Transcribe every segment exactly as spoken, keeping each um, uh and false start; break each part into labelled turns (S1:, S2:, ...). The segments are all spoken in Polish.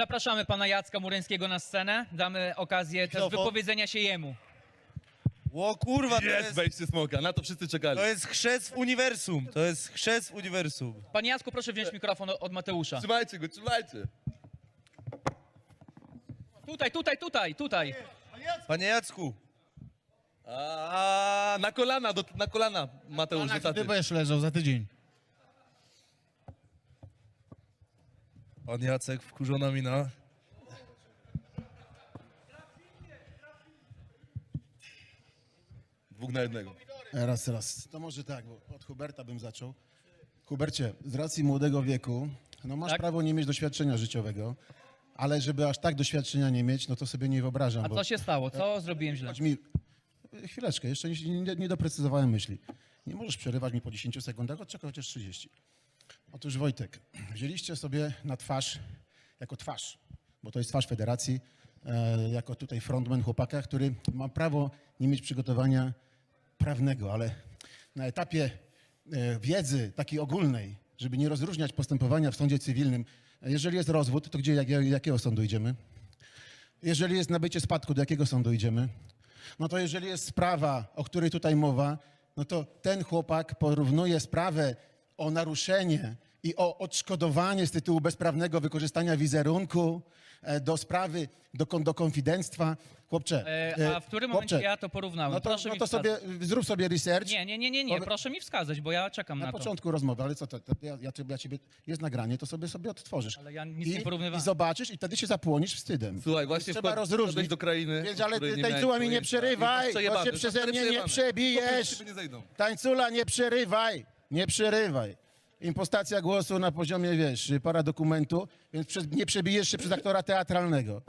S1: Zapraszamy pana Jacka Muryńskiego na scenę. Damy okazję też
S2: Mikrofon.
S1: wypowiedzenia się jemu.
S2: O kurwa, to
S3: Jest
S2: jest,
S3: wejście smoka, na to wszyscy czekali.
S2: to jest chrzest w uniwersum. To jest chrzest w uniwersum.
S1: Panie Jacku, proszę wziąć mikrofon od Mateusza.
S3: Trzymajcie go, trzymajcie.
S1: Tutaj, tutaj, tutaj, tutaj.
S2: Panie Jacku,
S3: A, na kolana, do, na kolana, Mateusz, do taty.
S4: Ty będziesz leżał za tydzień.
S2: pan Jacek, wkurzona mina.
S3: Dwóch na jednego.
S4: Raz, raz. To może tak, bo od Huberta bym zaczął. Hubercie, z racji młodego wieku, no masz
S1: Tak?
S4: prawo nie mieć doświadczenia życiowego, ale żeby aż tak doświadczenia nie mieć, no to sobie nie wyobrażam.
S1: A
S4: bo...
S1: co się stało? Co zrobiłem źle?
S4: Chodź mi... Chwileczkę, jeszcze nie, nie, nie doprecyzowałem myśli. Nie możesz przerywać mi po dziesięciu sekundach, odczekaj chociaż trzydzieści. Otóż Wojtek, wzięliście sobie na twarz, jako twarz, bo to jest twarz federacji, e, jako tutaj frontman chłopaka, który ma prawo nie mieć przygotowania prawnego, ale na etapie e, wiedzy takiej ogólnej, żeby nie rozróżniać postępowania w sądzie cywilnym, e, jeżeli jest rozwód, to gdzie, jak, jakiego sądu idziemy? Jeżeli jest nabycie spadku, do jakiego sądu idziemy? No to jeżeli jest sprawa, o której tutaj mowa, no to ten chłopak porównuje sprawę o naruszenie i o odszkodowanie z tytułu bezprawnego wykorzystania wizerunku e, do sprawy, do, kon- do konfidenctwa. Chłopcze,
S1: E, a w którym momencie
S4: chłopcze,
S1: ja to porównałem?
S4: no to,
S1: Proszę
S4: no
S1: mi
S4: to sobie,
S1: wskazać.
S4: zrób sobie research.
S1: Nie, nie, nie, nie, nie.
S4: Powie-
S1: Proszę mi wskazać, bo ja czekam na,
S4: Na
S1: to.
S4: początku rozmowy, ale co to, to ja, ja, ciebie- ja ciebie, jest nagranie, to sobie sobie odtworzysz.
S1: Ale ja nic
S4: I,
S1: nie porównywałem.
S4: I zobaczysz i wtedy się zapłonisz wstydem.
S3: Słuchaj, właśnie
S4: Trzeba
S3: wpad-
S4: rozróżnić.
S3: wpadłeś do krainy,
S4: Więc,
S3: o
S4: ale
S3: której
S4: ty,
S3: nie
S4: tańcula
S3: miałeś
S4: mi nie
S3: pojęcia.
S4: przerywaj,
S3: I masz
S4: bo
S3: przejebane,
S4: się
S3: to
S4: przeze
S3: stary
S4: mnie nie
S3: przejebane.
S4: przebijesz.
S3: Chłopy, nie zejdą.
S4: Tańcula, nie przerywaj, nie przerywaj. Impostacja głosu na poziomie, wiesz, paradokumentu, więc prze, nie przebijesz się przez aktora teatralnego.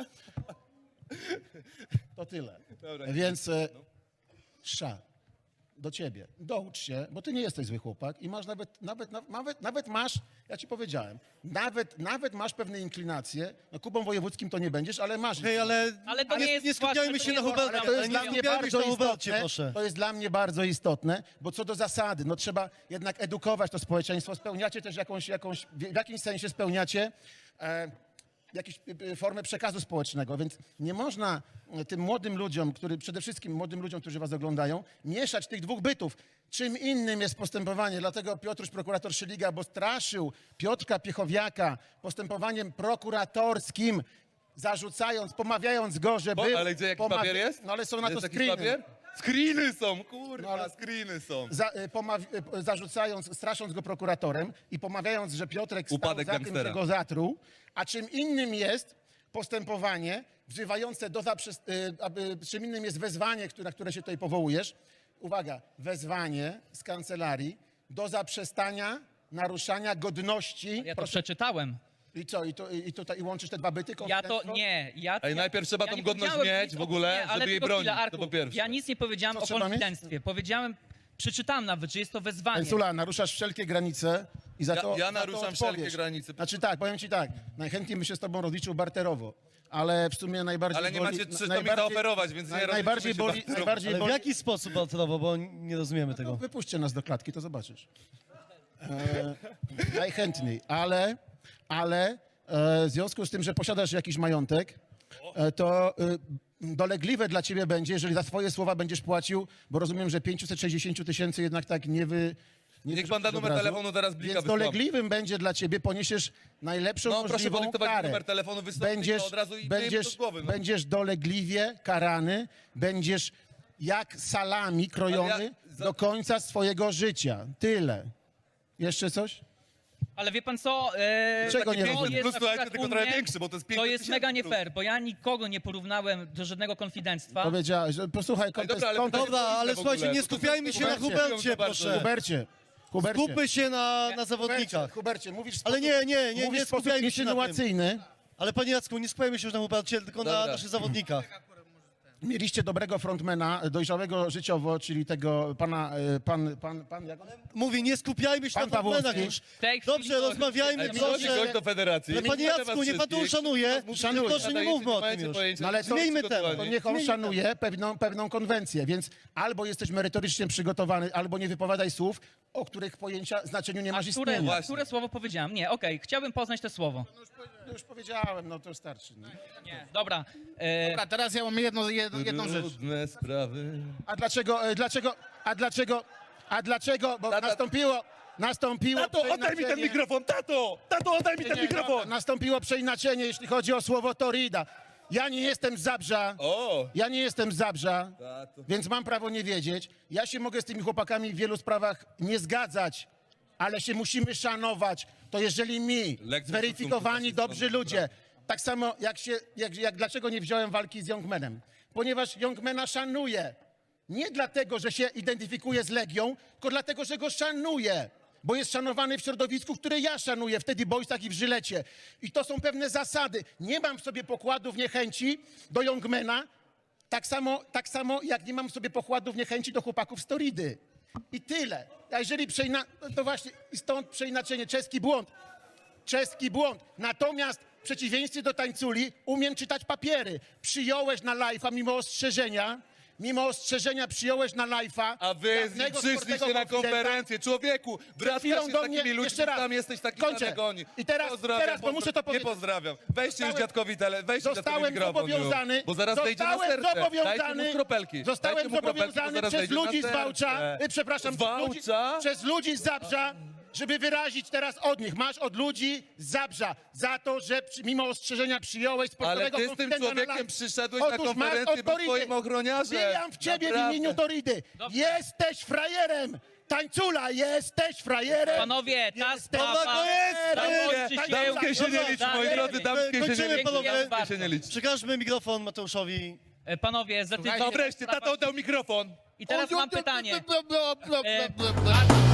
S4: To tyle.
S3: Dobra,
S4: Więc e, sza, do ciebie. Doucz się, bo ty nie jesteś zły chłopak i masz nawet, nawet, nawet, nawet, nawet masz, ja ci powiedziałem, nawet, nawet masz pewne inklinacje, no Kubą Wojewódzkim to nie będziesz, ale masz.
S2: Hej, ale,
S1: Ale to nie jest
S2: nie skupiajmy
S1: właśnie,
S2: się
S1: to
S2: na
S1: nie jest
S2: Hubercie.
S4: Ale to jest
S2: nie
S4: dla mnie
S2: skupiajmy się
S4: bardzo
S2: na Hubercie,
S4: istotne,
S2: proszę.
S4: to jest dla mnie bardzo istotne, bo co do zasady, no trzeba jednak edukować to społeczeństwo, spełniacie też jakąś, jakąś w jakimś sensie spełniacie e, jakąś e, formę przekazu społecznego, więc nie można e, tym młodym ludziom, który, przede wszystkim młodym ludziom, którzy was oglądają, mieszać tych dwóch bytów. Czym innym jest postępowanie, dlatego Piotruś, prokurator Szyliga, bo straszył Piotrka Piechowiaka postępowaniem prokuratorskim, zarzucając, pomawiając go, że
S3: Bo,
S4: był...
S3: ale gdzie jakiś
S4: pomawia-
S3: papier jest?
S4: No ale są na
S3: Jest
S4: to
S3: jakiś
S4: screeny.
S3: papier? Screeny są, kurwa,
S4: No, ale-
S3: screeny są.
S4: Za, y, pomaw- y, zarzucając, strasząc go prokuratorem i pomawiając, że Piotrek stał
S3: Upadek
S4: za tym,
S3: gangstera.
S4: że go zatruł, a czym innym jest postępowanie wzywające do zaprzest... y, aby, czym innym jest wezwanie, które, na które się tutaj powołujesz. Uwaga, wezwanie z kancelarii do zaprzestania naruszania godności.
S1: Ja to
S4: Proszę,
S1: przeczytałem.
S4: I co, i, to, i, tutaj, i łączysz te dwa byty?
S1: Ja to
S4: konfidenctwo?
S1: nie. Ja,
S3: Ej,
S1: ja,
S3: najpierw trzeba
S1: ja
S3: tą
S1: nie
S3: godność
S1: powiedziałem
S3: mieć
S1: nic
S3: w
S1: o-
S3: ogóle,
S1: nie, ale
S3: żeby jej
S1: tylko chwilę,
S3: bronić, to
S1: Arku,
S3: po pierwsze.
S1: Ja nic nie powiedziałem
S4: Co
S1: o
S4: trzeba mieć?
S1: konfidenctwie. Powiedziałem, przeczytałem nawet, że jest to wezwanie.
S4: Pensula, naruszasz wszelkie granice i za
S3: Ja-
S4: to
S3: ja
S4: za to
S3: naruszam
S4: odpowiesz.
S3: wszelkie granice.
S4: Znaczy tak, powiem ci tak, najchętniej bym się z tobą rozliczył barterowo, ale w sumie najbardziej
S3: Ale nie
S4: boli...
S3: macie trzy, to mi
S4: najbardziej-
S3: zaoferować, więc nie
S4: naj,
S3: rozliczymy
S4: Najbardziej
S3: się
S4: boli...
S3: barterowo.
S4: Najbardziej
S2: Ale w
S4: boli...
S2: jaki sposób alterowo, bo nie rozumiemy
S4: No,
S2: tego.
S4: wypuśćcie nas do klatki, to zobaczysz. E, najchętniej, ale, ale e, w związku z tym, że posiadasz jakiś majątek, e, to e, dolegliwe dla ciebie będzie, jeżeli za swoje słowa będziesz płacił, bo rozumiem, że pięćset sześćdziesiąt tysięcy jednak tak nie wy... Nie
S3: Niech pan da
S4: wyrzucisz
S3: numer
S4: od razu.
S3: telefonu, teraz blika
S4: Więc
S3: wysłamy.
S4: dolegliwym będzie dla ciebie, poniesiesz najlepszą
S3: No, proszę
S4: możliwą
S3: podyktować
S4: karę.
S3: numer telefonu, wysłać
S4: będziesz,
S3: blika od razu i
S4: będziesz,
S3: wyjemy to z głowy, no.
S4: będziesz dolegliwie karany, będziesz jak salami krojony
S3: Ale ja- za-
S4: do końca swojego życia. Tyle. Jeszcze coś?
S1: Ale wie pan co? E,
S4: Czego nie
S1: to
S4: rozumiem?
S1: jest
S3: Plus, słuchajcie,
S1: akurat
S3: tylko
S1: u
S3: trochę
S1: mnie-
S3: większy, bo to jest
S1: To
S3: pięćset
S1: jest
S3: tysięcy
S1: mega nie
S3: plus.
S1: fair, bo ja nikogo nie porównałem do żadnego konfidenctwa.
S4: Powiedziałeś, że posłuchaj, kontest,
S3: dobra, ale
S4: kontest,
S2: Dobra, ale
S3: w ogóle,
S2: słuchajcie, nie
S3: bo to
S2: skupiajmy się na
S4: Hubercie,
S2: Hubercie,
S3: bardzo.
S2: proszę.
S4: Hubercie, Hubercie,
S2: Skupmy się na, na
S4: Hubercie,
S2: zawodnikach.
S4: Hubercie, mówisz w
S2: Ale
S4: sposób,
S2: nie, nie, nie,
S4: mówisz
S2: nie
S4: w sposób
S2: skupiajmy się na tym.
S4: insynuacyjny.
S2: Ale panie Jacku, nie skupiajmy się już na Hubercie, tylko na
S3: Dobra.
S2: naszych zawodnikach.
S4: Mieliście dobrego frontmana, dojrzałego życiowo, czyli tego pana, e, pan, pan, pan, jak on?
S2: Mówię, nie skupiajmy się
S4: Pan
S2: na frontmenach
S4: Pawłowski.
S2: już.
S1: W tej chwili
S2: Dobrze,
S1: to-
S2: rozmawiajmy,
S3: Ej, przychodzi
S2: proszę.
S3: gość do federacji.
S2: Ale panie Jacku, niech pan to uszanuje.
S4: Szanuję.
S2: Proszę, nie mówmy o tym już.
S4: No ale to,
S2: Zmieńmy
S4: to,
S2: temat.
S4: to niech on
S2: Zmieńmy
S4: szanuje pewną, pewną konwencję, więc albo jesteś merytorycznie przygotowany, albo nie wypowiadaj słów, o których pojęcia znaczeniu nie
S1: A
S4: masz
S1: które,
S4: istnienia.
S3: Właśnie.
S1: które słowo powiedziałem? Nie, okej, chciałbym poznać to słowo.
S4: No już, powie- no już powiedziałem, no to starczy. No.
S1: Nie, dobra. E,
S5: Dobra, teraz ja mam jedno, jedno, jedną rzecz.
S3: Trudne sprawy.
S4: A dlaczego, e, dlaczego, a dlaczego, a dlaczego, bo
S3: Tata-
S4: nastąpiło, nastąpiło
S3: Tato, oddaj mi ten
S4: przeinaczenie-
S3: mikrofon, tato! Tato, oddaj mi ten
S4: Nie,
S3: mikrofon!
S4: no, nastąpiło przeinaczenie, jeśli chodzi o słowo Torida. Ja nie jestem z Zabrza,
S3: O!
S4: ja nie jestem z Zabrza,
S3: Tato.
S4: więc mam prawo nie wiedzieć. Ja się mogę z tymi chłopakami w wielu sprawach nie zgadzać, ale się musimy szanować. To jeżeli mi,
S3: Lekcja
S4: zweryfikowani,
S3: szacunku
S4: dobrzy
S3: faszyzmu,
S4: ludzie, tak samo jak się, jak, jak dlaczego nie wziąłem walki z Youngmanem? Ponieważ Youngmana szanuję. Nie dlatego, że się identyfikuje z Legią, tylko dlatego, że go szanuję. Bo jest szanowany w środowisku, które ja szanuję, wtedy Boysach i w Żylecie. I to są pewne zasady. Nie mam w sobie pokładów niechęci do Youngmana, tak samo, tak samo jak nie mam w sobie pokładów niechęci do chłopaków z Toridy. I tyle. A jeżeli przeina... no to właśnie i stąd przeinaczenie, czeski błąd. Czeski błąd. Natomiast w przeciwieństwie do tańculi umiem czytać papiery. Przyjąłeś na live'a mimo ostrzeżenia, mimo ostrzeżenia przyjąłeś na live'a.
S3: A wy z nim
S4: dawnego
S3: przyszliście
S4: sportowego
S3: na
S4: konfidenta.
S3: konferencję. Człowieku,
S4: Przed
S3: bratka
S4: chwilą
S3: się z
S4: do
S3: takimi
S4: mnie,
S3: ludźmi,
S4: jeszcze raz,
S3: tam jesteś taki
S4: kończę.
S3: sam jak oni.
S4: I teraz-
S3: pozdrawiam,
S4: teraz, bo muszę to
S3: pozdra-
S4: powiedzieć.
S3: Nie pozdrawiam. Weźcie już
S4: Zostałem-
S3: dziadkowi tele, weźcie dziadkowi
S4: Zostałem
S3: mikrofon
S4: zobowiązany,
S3: już, bo zaraz wejdzie na
S4: zostałem
S3: serce. Dajcie
S4: zobowiązany,
S3: mu kropelki.
S4: zostałem
S3: Dajcie mu kropelki, bo
S4: zobowiązany
S3: zaraz
S4: przez
S3: wejdzie na
S4: ludzi z
S3: serce.
S4: Wałcza, y, przepraszam,
S3: Z
S4: przez ludzi,
S3: Wałcza?
S4: przez ludzi z Zabrza, żeby wyrazić teraz od nich. Masz od ludzi z Zabrza za to, że przy, mimo ostrzeżenia przyjąłeś
S3: Ale
S4: sportowego
S3: ty z tym
S4: konfidenta na
S3: człowiekiem
S4: live.
S3: przyszedłeś na
S4: Otóż masz
S3: konferencję,
S4: od
S3: był
S4: Toridy.
S3: twoim ochroniarzem.
S4: Bijam w ciebie
S3: Naprawdę.
S4: w imieniu Toridy.
S1: Dobrze.
S4: Jesteś frajerem. Tańcula, jesteś frajerem.
S1: Panowie, ta
S4: Jesteś
S1: sprawa
S2: to jest,
S1: zakończy
S4: nie,
S1: się...
S3: Damskie się nie
S4: Dobra,
S3: liczy,
S1: dobra,
S3: moi
S1: dobra.
S3: drodzy, damskie się nie
S2: Kończymy,
S3: liczy.
S2: panowie.
S3: Damskie się nie liczy.
S2: Przekażmy mikrofon Mateuszowi.
S1: E, Panowie, zdecydowanie...
S3: No wreszcie, tato oddał mikrofon.
S1: I teraz mam pytanie.
S5: Bla, bla, bla, bla,
S1: E,
S5: bla, bla.